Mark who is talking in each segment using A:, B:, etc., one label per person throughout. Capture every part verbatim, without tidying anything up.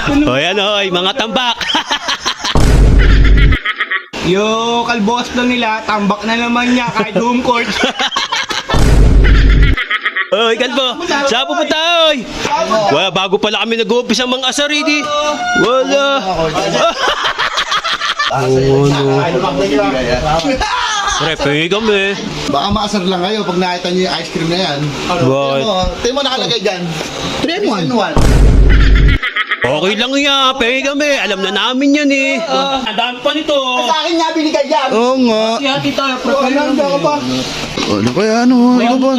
A: O yan o, mga tambak.
B: Yung kalbos lang nila, tambak na naman niya kahit home court.
A: Oy, kalbo, saan pupunta, oy? Wala, bago pala kami nag-uumpisa mga asaridi. Wala. Oo, no. Pre, pengi kami.
C: Baka maasar lang kayo pag nakita nyo yung ice cream na yan.
A: Bakit?
C: Tingnan mo nakalagay dyan. three in one.
A: Okay lang yan, pengi kami. Alam na namin yan eh. Ang dami pa nito.
B: Sa akin nga binigay yan.
C: Oo nga.
B: Hati tayo, pre. Ano ka pa?
C: Ano kaya ano? Ikaw ba?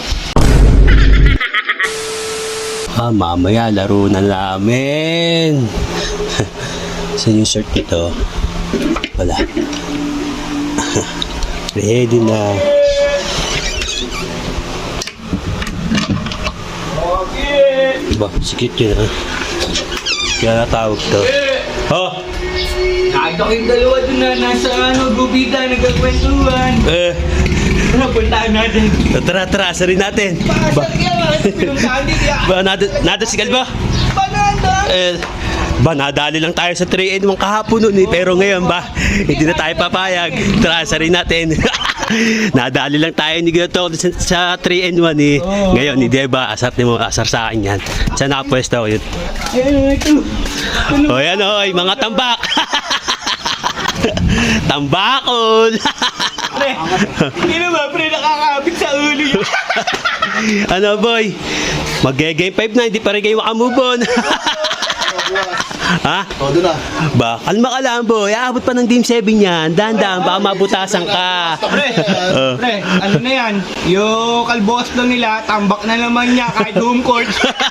A: Ah, mamaya laro na namin. Saan yung shirt nito? Wala. Ready na. Diba, sikit yun ha. Kaya natawag to. Oh!
B: Nakita ko yung dalawa dun na nasa ano, gubita, nagkakwentuhan.
A: Eh,
B: Ano, puntahan natin.
A: tara, tara, asarin natin.
B: Ba, kaya bakit pinuntahan dito ya?
A: Ba, nada, nada si Kalba?
B: Pananda!
A: Eh, ba, nadali lang tayo sa three in one kahapon nun eh. Pero ngayon ba, hindi na tayo papayag. Tara, asarin natin. Nadali lang tayo ni Gato sa, sa three in one eh. Ngayon, hindi ba, asar mo, asar sa akin yan. Saan nakapwesto ko yun?
B: Ayan, ito.
A: O yan o, mga tambak. Tambakol.
B: Pre, hindi naman, pre, nakakabit sa ulo yun.
A: Ano boy? Mag-game five na, hindi pa rin kayo makamove on. Ha?
C: O, doon na.
A: Ba, kalma ka lang boy. Aabot pa ng game seven yan. Dahan-dahan, baka mabutasan ka.
B: Pre,
A: Oh.
B: pre, ano na yan? Yung kalbos lang nila, tambak na naman niya kahit home court.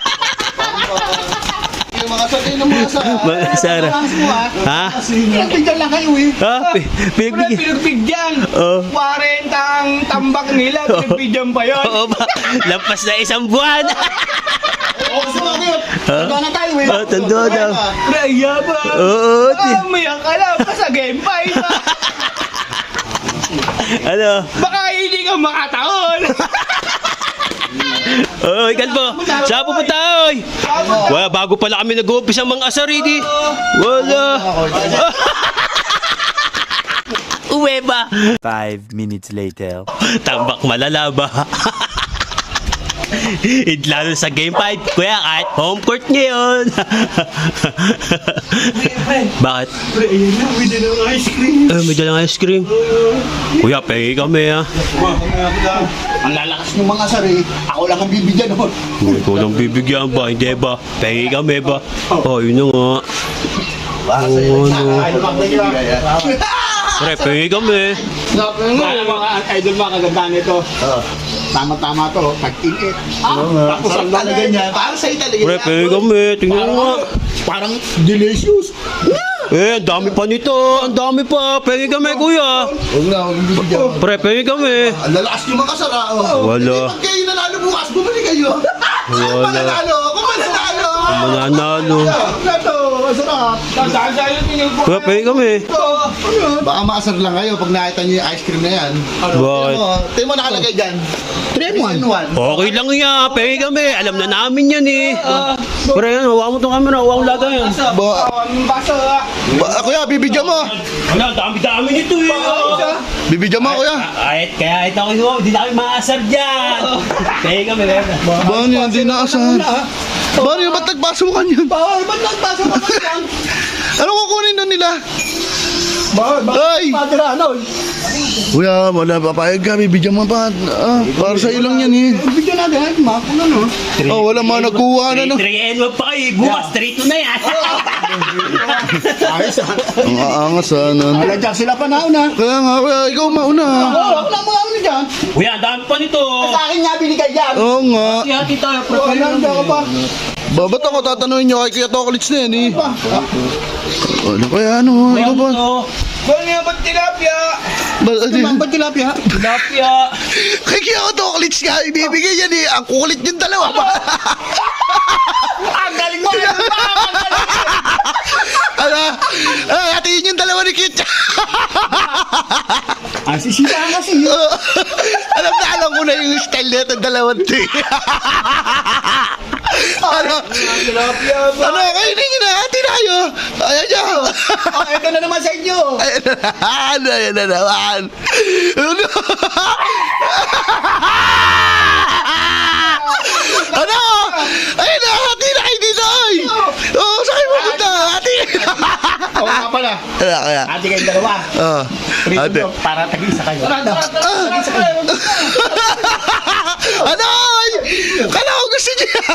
C: Yung mga sabi ng mga sa...
A: Mga Sara. Ha?
C: Pinagbigyan lang kayo eh.
A: Ha? Pi-
B: Pre,
A: Pinagbigyan.
B: pinagbigyan.
A: Oh.
B: forty ang tambak nila, pinagbigyan pa yun.
A: Oo ba? Lampas na isang buwan.
C: O, kasi bakit? Tanda na tayo eh.
A: Oh, tanda daw.
B: Pre, yabang.
A: Oo.
B: Ah,
A: ti-
B: mayak ka lang pa sa game five. ah.
A: Ano?
B: Baka hindi ka makataon.
A: Oy, Kalbo. Saan pupunta, oy? Wala, bago pala kami nag-uumpisa mga asaridi. Wala. Uwe ba?
D: Five minutes later.
A: Tambak malala ba? It lalo sa game five, kuya, kahit home court ngayon. Bakit?
B: Pre, ayan na, may dalang ice cream.
A: Eh, may dalang ice cream. Kuya, pengi kami ha.
C: Ang lalakas ng mga sari, ako lang ang bibigyan nun.
A: Hindi ko lang bibigyan ba, hindi ba? Pengi kami ba? Oh, yun na nga. Oo, ano.
C: Ano bang nagbibigay yan?
A: Pre, pengi kami.
B: Mga mga idol, mga kagandaan nito.
C: Tama-tama to, tag-init. Tapos ang lalagyan niya, para sa'yo talaga.
A: Pre, pengi kami. Tingnan mo nga.
C: Parang delicious.
A: Eh, ang dami pa nito. Ang dami pa. Pengi kami, kuya.
C: Huwag na, huwag bibigyan.
A: Pre, pengi kami.
C: Ang lalakas yung mga sara. Oh.
A: Wala.
C: Hindi, pag kayo nanalo bukas, bumalik kayo. Kung
A: Wala.
C: mananalo, kung mananalo.
A: Mananalo.
C: Ito, masarap.
B: Saan-saan tingin ko.
A: Pre, pengi kami.
C: Baka maasar lang kayo pag nakita nyo yung ice cream na yan.
A: Bakit?
C: Tingnan mo nakalagay dyan. three in one.
A: Okay lang yan. Pengi kami. Alam na namin yan eh. Pre, yan. Huwag mo itong camera. Huwag mo laga yan.
C: Ba,
B: Ang baso, ah.
C: ba, kuya, bibigyan mo.
A: Wala, dami-dami nito eh.
C: Bibigyan mo, kuya.
A: Kahit, kaya ito ako, hindi na kami maasar dyan. Pengi kami.
C: Baan yan, di naasar. Baan yan, ba't nagpasukan yan?
B: Bawal, ba't nagpasok ka pa lang?
C: Ano kukunin na nila?
B: Bawal,
C: Ay!
B: Padra, ano?
C: Kuya, wala papayag ka, bibigyan mo pa. Ah, para sa'yo lang yan eh.
B: Bigyan natin, makul ano?
C: Oh, wala mga nagkuha na no.
A: three and one pa kayo. Bukas, three two na yan.
B: Ayos ah.
C: Ang aangas ah, nun.
B: Alagyak sila pa nauna.
C: Kaya nga, kuya, ikaw mauna.
B: Oo, ako lang mga ano dyan.
A: Kuya, ang dami pa nito.
B: Sa akin nga binigay yan.
C: Oo nga.
B: Hati tayo, pre. Pananda ka pa.
C: Ba, ba't ako tatanungin nyo kay Kuya Tokolits na yan eh? Ano kaya ano? Ikaw ba?
B: Bawal nga ba't tilapia?
C: Ba, ano yun?
B: Ba't tilapia?
A: Tilapia.
C: Kay Kuya Tokolits nga, ibibigay yan eh. Ang kukulit yung dalawa ba?
B: Ang galing mo!
C: Ano? Ah, hatiin yung dalawa ni Kit.
B: Ang sisita kasi.
C: Alam na alam ko na yung style nito, dalawang to eh. Ano?
B: Tilapia ba?
C: Ano? Kainin nyo na, hatiin
B: Ito na naman sa inyo.
C: Ay, ano yan na naman? Ano? Ano? Ay, nahati na kayo dito, oy! Oo, saan kayo pupunta? Hati!
B: Oo nga pala.
C: Ano kaya?
B: Ate kayong dalawa.
C: Oo.
B: Prito
C: Ate.
B: nyo, para tag-isa kayo.
C: Ano? Oy? Kala ko gusto niya.